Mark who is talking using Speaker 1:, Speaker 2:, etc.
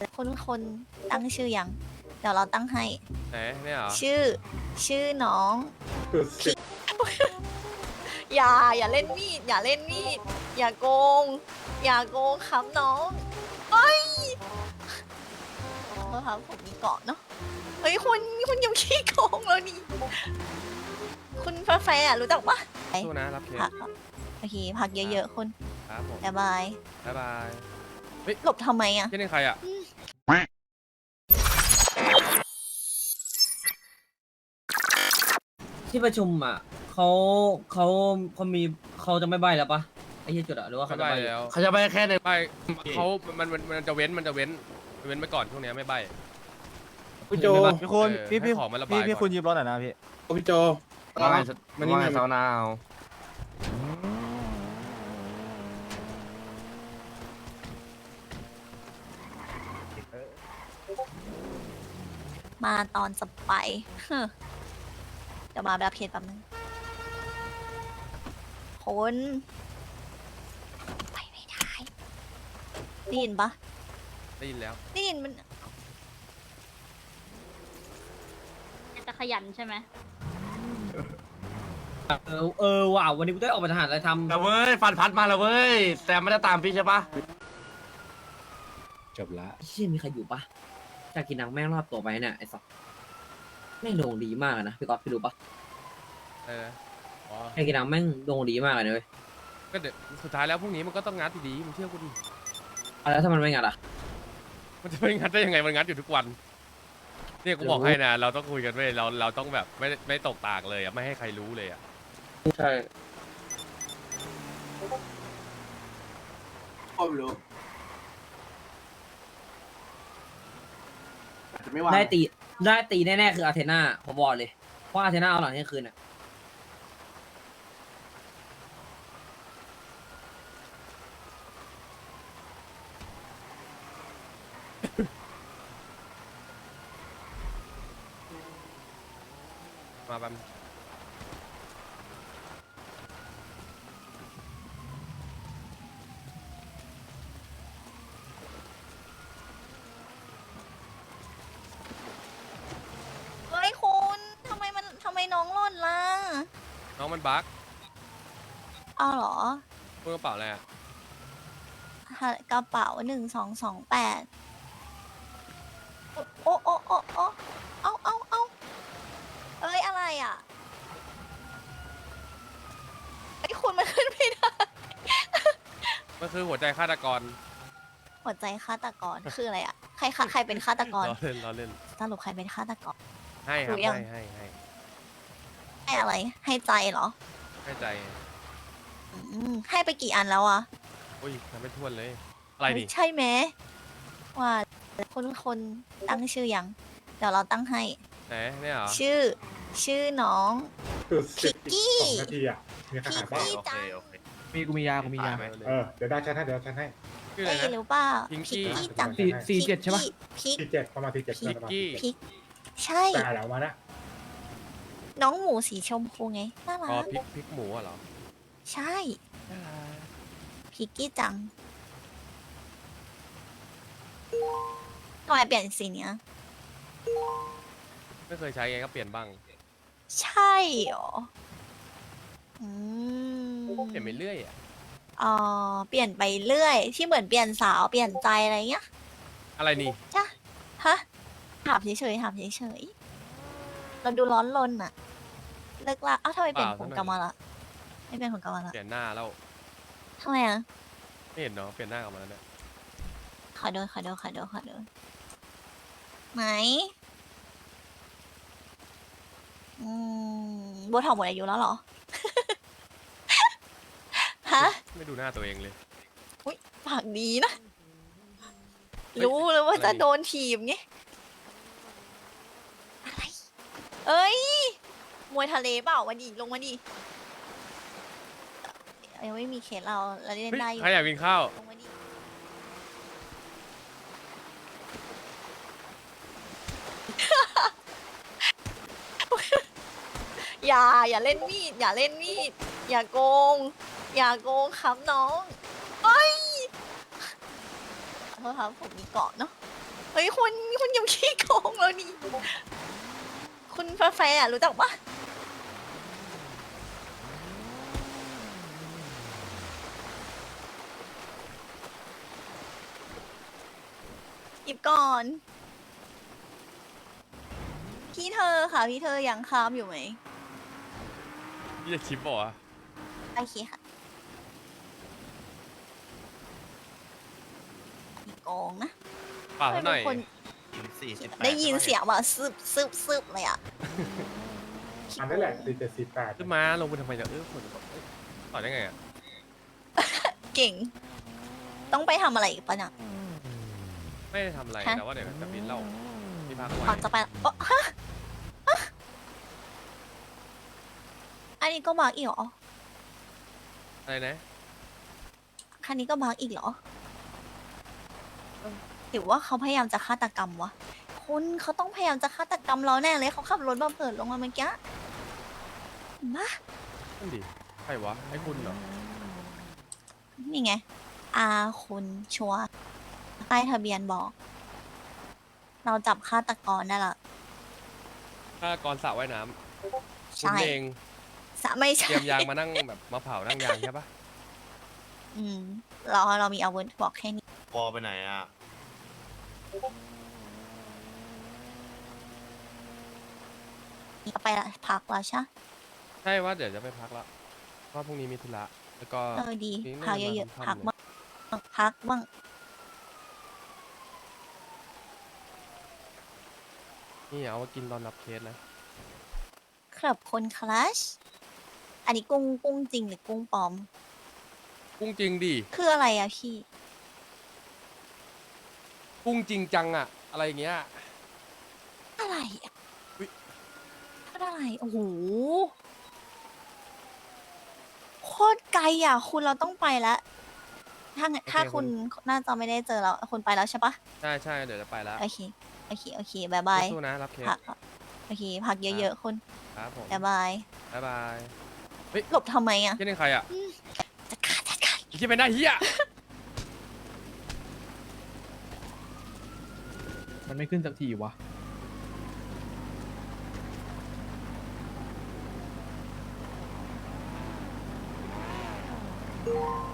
Speaker 1: คุณตั้งชื่อยังเดี๋ยวเราตั้งให้
Speaker 2: ไหนเนี่ยเหรอ
Speaker 1: ชื่อน้องอย่าเล่นมีดอย่าเล่นมีดอย่าโกงครับน้องเอ้ยขอโทษครับผมมีเกาะเนาะเฮ้ยคุณยังขี้โกงแล้วนี่คุณแฟร์รู้จักปะ
Speaker 2: สู้นะรับเคส
Speaker 1: พักโอเคพักเยอะๆคุณ
Speaker 2: ครับผม
Speaker 1: บ๊ายบาย
Speaker 2: บ๊ายบาย
Speaker 1: หลบทำไมอ่ะ
Speaker 2: ที่นี่ใครอ่ะ
Speaker 3: ที่ประชุมอ่ะเขามีเขาจะไม่ใบแล้วปะไอ้เหี้ยจุดอ่ะหรือว่า
Speaker 2: ไม่
Speaker 3: เขาจะ
Speaker 2: ใบ
Speaker 3: ใบ
Speaker 2: แล้ว
Speaker 4: เขาจะไปแค่ใน
Speaker 2: ไม่เขามันจะเว้นไปก่อนช่วงเนี้ยไม่ใบ
Speaker 4: พี่โจ
Speaker 5: พี่คุณ
Speaker 2: เออ
Speaker 5: พี่
Speaker 2: ให้
Speaker 5: พี่
Speaker 2: ของมันระบาย
Speaker 5: พี่
Speaker 2: ก่อน
Speaker 5: คุณยืมรถหน่อยนะพี่
Speaker 4: พี่โจ
Speaker 6: ว่าไง
Speaker 4: มันนี่
Speaker 6: ว่าไง
Speaker 4: ไง
Speaker 6: สาวนาว
Speaker 1: มาตอนจะไปเฮ้อเดี๋ยวมาแบบเพจแป๊บนึงคนไปไม่ได้ได้ยินปะ
Speaker 2: ได้ยินแล้ว
Speaker 1: ได้ยินมัน
Speaker 7: จะขยันใช่ไหม
Speaker 3: เออว่ะวันนี้กูได้ออกมาทหารอะไรทำ
Speaker 6: แต่เว้ยฟันพัดมาแล้วเว้ย แต่ไม่ได้ตามพี่ใช่ปะ
Speaker 4: จบละ
Speaker 3: เชี่ยมีใครอยู่ปะจากกินนังแม่งรอบตัวไปเนี่ยไอ้สัสแม่งโด่งดีมากอะนะพี่ก๊อฟพี่รู้ปะ
Speaker 2: เอออ๋อ
Speaker 3: ไอ้กินนังแม่งโด่งดีมากเลยนะเว้ย
Speaker 2: ก็เดี๋ยวสุดท้ายแล้วพรุ่งนี้มันก็ต้องงัดอยู่ดีมึงเชื่อกูดิ
Speaker 3: เอาแล้วถ้ามันไม่งัดอ่ะ
Speaker 2: มันจะไม่งัดได้ยังไงมันงัดอยู่ทุกวันเนี่ยกูบอกให้นะเราต้องคุยกันเว้ยเราต้องแบบไม่ตกตากเลยอ่ะไม่ให้ใครรู้เลยอ่ะ
Speaker 3: ใช่
Speaker 4: พ่อไม่รู้อาจจะไม่ว่าง
Speaker 3: ได้ตีแน่ๆคืออาเทนาผมบอกเลยเพราะอาเทนาเอาหลังเที่ยงคืนอ่ะ
Speaker 2: มาบัม
Speaker 1: เฮ้ยคุณทำไมน้องหล่นล่ะ
Speaker 2: น้องมันบั๊ก
Speaker 1: เอาเหรอ
Speaker 2: เมื่อกระเป๋าอะไรอ่ะ
Speaker 1: กระเป๋า1228โอ้เอาเอ้ยอะไรอ่ะไอ้ยคุณมันขึ้นไม่ได้
Speaker 2: มันคือหัวใจฆาตกร
Speaker 1: หัวใจฆาตกรคืออะไรอ่ะใครเป็นฆาตกร
Speaker 2: ล้อเล่น
Speaker 1: สรุปใครเป็นฆาตกร
Speaker 2: ให้ครับ
Speaker 1: รู้ยัง
Speaker 2: ให้
Speaker 1: ให้อะไร ให้ใจเหรอ
Speaker 2: ให้ใจ
Speaker 1: ให้ไปกี่อันแล้วอ่ะ
Speaker 2: อุ้ยทำไม่ทวนเลย อะไรนี่
Speaker 1: ใช่ไหมว่าคุณตั้งชื่อยังเดี๋ยวเราตั้งให้
Speaker 2: ไหนเนี่ยเหรอ
Speaker 1: ชื่อน้องพิกกี้
Speaker 4: 2 นาทีอ่ะมีใคร
Speaker 1: พิก
Speaker 4: หายบ้าง
Speaker 1: กี้จัง
Speaker 5: กูมียา
Speaker 4: เดี๋ยวได้แค่ให้เดี๋ยวแค่ให้
Speaker 2: ชื่ออะไร
Speaker 1: เอ้ย
Speaker 2: นะ
Speaker 1: หรือเปล่า
Speaker 2: พิ
Speaker 1: พิ
Speaker 2: ง
Speaker 1: ก
Speaker 2: กี้
Speaker 1: กี้จัง
Speaker 5: 47ใช่ปะ
Speaker 1: พิก
Speaker 4: ที่เจ็ดประมาณที่เจ็ด
Speaker 2: พิกกี้
Speaker 1: พิกใช่
Speaker 4: แต่แล้วมานะ
Speaker 1: น้องหมูสีชมพูไงน่ารั
Speaker 2: อ๋อก พริกหมูอะเหรอ
Speaker 1: ใช่พิกกี้จังทำไมเปลี่ยนสีเนี้ย
Speaker 2: ไม่เคยใช้ไงก็เปลี่ยนบ้าง
Speaker 1: ใช่เหรออืม
Speaker 2: เปลี่ยนไปเรื่อยอ่ะ
Speaker 1: เปลี่ยนไปเรื่อย ที่เหมือนเปลี่ยนสาวเปลี่ยนใจอะไรเงี้ย
Speaker 2: อะไรนี่
Speaker 1: จ้ะฮะถามเฉยๆถามเฉยๆเราดูร้อนรนอะเลิกละอ้าวทำไมเปลี่ยนผมกลับมาละไม่เปลี่ยนผมกลับมาละ
Speaker 2: เปลี่ยนหน้าแล้ว
Speaker 1: ทำไมอะ
Speaker 2: ไม่เห็นเนาะเปลี่ยนหน้ากลับมาแล้วเนี่ย
Speaker 1: ขอดูไหนโบท็อกหมดอายุแล้วเหรอ ฮะ
Speaker 2: ไม่ดูหน้าตัวเองเลย
Speaker 1: อุ้ยปากดีนะ รู้เลยว่าจะโดนถีบไงอะไร เอ้ย มวยทะเลเปล่ามาดิลงมาดิยังไม่มีเคสเราเล่นได้อยู่
Speaker 2: ใครอยากกินข้าว
Speaker 1: ลงมาดิอย่าเล่นมีดอย่าโกงครับน้องเอ้ยขอโทษครับผมมีเกาะเนาะเฮ้ยคุณยังขี้โกงแล้วนี่คุณแฟร์ๆอะรู้จักปะหยิบก่อน พี่เธอค่ะ พี่เธอยังค้ามอยู่ไหม
Speaker 2: พี่จะชิปบอกว่า
Speaker 1: โอเคค่ะมีโกงนะ
Speaker 2: เปล่าเท่าหน่อย
Speaker 1: ไม่เป็นคน ได้ยินเสียงว่าซึบเลยอ่ะ
Speaker 4: อันนั้นแหละ4748
Speaker 2: ขึ้นมาลงไปทำไมเนี่ยคนต่อได้ไงอ่ะ
Speaker 1: เก่ง ต้องไปทำอะไรอีกปะเนี่ย
Speaker 2: ไม่ได้ทำอะไร
Speaker 1: ฮะ
Speaker 2: แต่ว่าเดี๋ยวจะบินเล่าที่พักไว้
Speaker 1: ก่อนจะไปอ๋อฮะฮะอันนี้ก็มาร์กอีกเหรอ
Speaker 2: อะไรนะ
Speaker 1: คันนี้ก็มาร์กอีกเหรอหรือว่าเขาพยายามจะฆาตกรรมวะคุณเขาต้องพยายามจะฆาตกรรมเราแน่เลยเขาขับรถมาเปิดลงมาเมื่อกี้เห็นปะ
Speaker 2: นั่นดิใครวะให้คุณเหรอ
Speaker 1: นี่ไง อาคุณชัวร์ป้ายทะเบียนบอก เราจับฆาตกรได้ละ
Speaker 2: ถ้ากรสระว่ายน้ำคุณ
Speaker 1: ใช่
Speaker 2: เอง
Speaker 1: ไม่
Speaker 2: เต
Speaker 1: ใช่
Speaker 2: รียมยางมานั่งแบบมาเผานั่งยางใช่ปะ
Speaker 1: อืมเรามีอาวุธบอกแค่นี้
Speaker 6: ปอไปไหนอ่ะ
Speaker 1: เอาไปละพักแล้วใช่
Speaker 2: ใช่ว่าเดี๋ยวจะไปพักละเพราะพรุ่งนี้มีธุระแล้วก็
Speaker 1: ดี
Speaker 2: นี่
Speaker 1: พัก
Speaker 2: น่าจะ
Speaker 1: เยอะ
Speaker 2: มา
Speaker 1: ๆพัก
Speaker 2: ค่ำๆ
Speaker 1: บ้างพักบ้าง
Speaker 2: นี่เอามากินตอนรับเคสนะ
Speaker 1: ครับคนคลาสอันนี้กุ้งจริงหรือกุ้งปลอม
Speaker 2: กุ้งจริงดิ
Speaker 1: คืออะไรอะพี่
Speaker 2: กุ้งจริงจังอะอะไรอย่างเงี้ย
Speaker 1: อะไรอะ
Speaker 2: อุ๊ย
Speaker 1: อะไรโอ้โหโคตรไกลอะคุณเราต้องไปแล้วถ้าคุณน่าจะไม่ได้เจอเราคุณไปแล้วใช่ปะ
Speaker 2: ใช่ใช่เดี๋ยวจะไปแล้ว
Speaker 1: โอเคบายบาย
Speaker 2: สู้ๆนะรับเคส
Speaker 1: พักโอเคพักเยอะๆคุณ
Speaker 2: ครับผม
Speaker 1: บายบาย
Speaker 2: บ๊ายบาย
Speaker 1: หลบทำไมอะ
Speaker 2: ที่นี่ใครอะ
Speaker 1: จัดการ
Speaker 2: อีกที่เป็นได้เฮีย
Speaker 5: มันไม่ขึ้นสักทีวะ
Speaker 1: เ